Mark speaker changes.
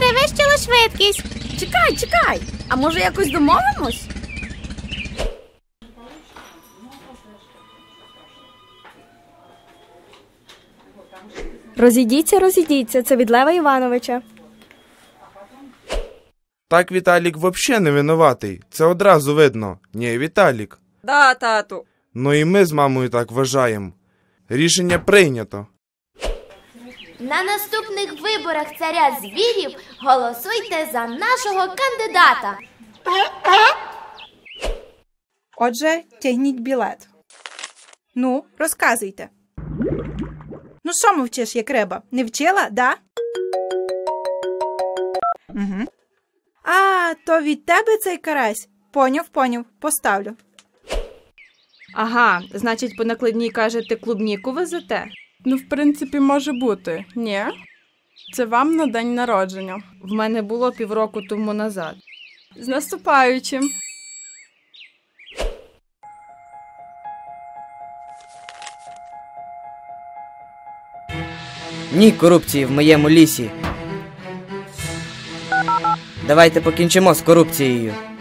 Speaker 1: перевищило швидкість.
Speaker 2: Чекай, а може якось домовимось?
Speaker 3: Розійдіться, це від Лева Івановича.
Speaker 4: Так Віталік вообще не винуватий. Це одразу видно. Ні, Віталік.
Speaker 2: Да, тату.
Speaker 4: Ну і ми з мамою так вважаємо. Рішення прийнято.
Speaker 1: На наступних виборах царя звірів голосуйте за нашого кандидата.
Speaker 5: Отже, тягніть білет. Ну, розказуйте. Ну, що мовчиш, як риба? Не вчила, да? Угу. А, то від тебе цей карась? Поняв, поставлю.
Speaker 6: Ага, значить, по накладній кажете, клубніку везете?
Speaker 7: Ну, в принципі, може бути. Ні? Це вам на день народження.
Speaker 6: В мене було півроку тому назад.
Speaker 7: З наступаючим!
Speaker 8: Ні корупції в моєму лісі. Давайте покінчимо з корупцією.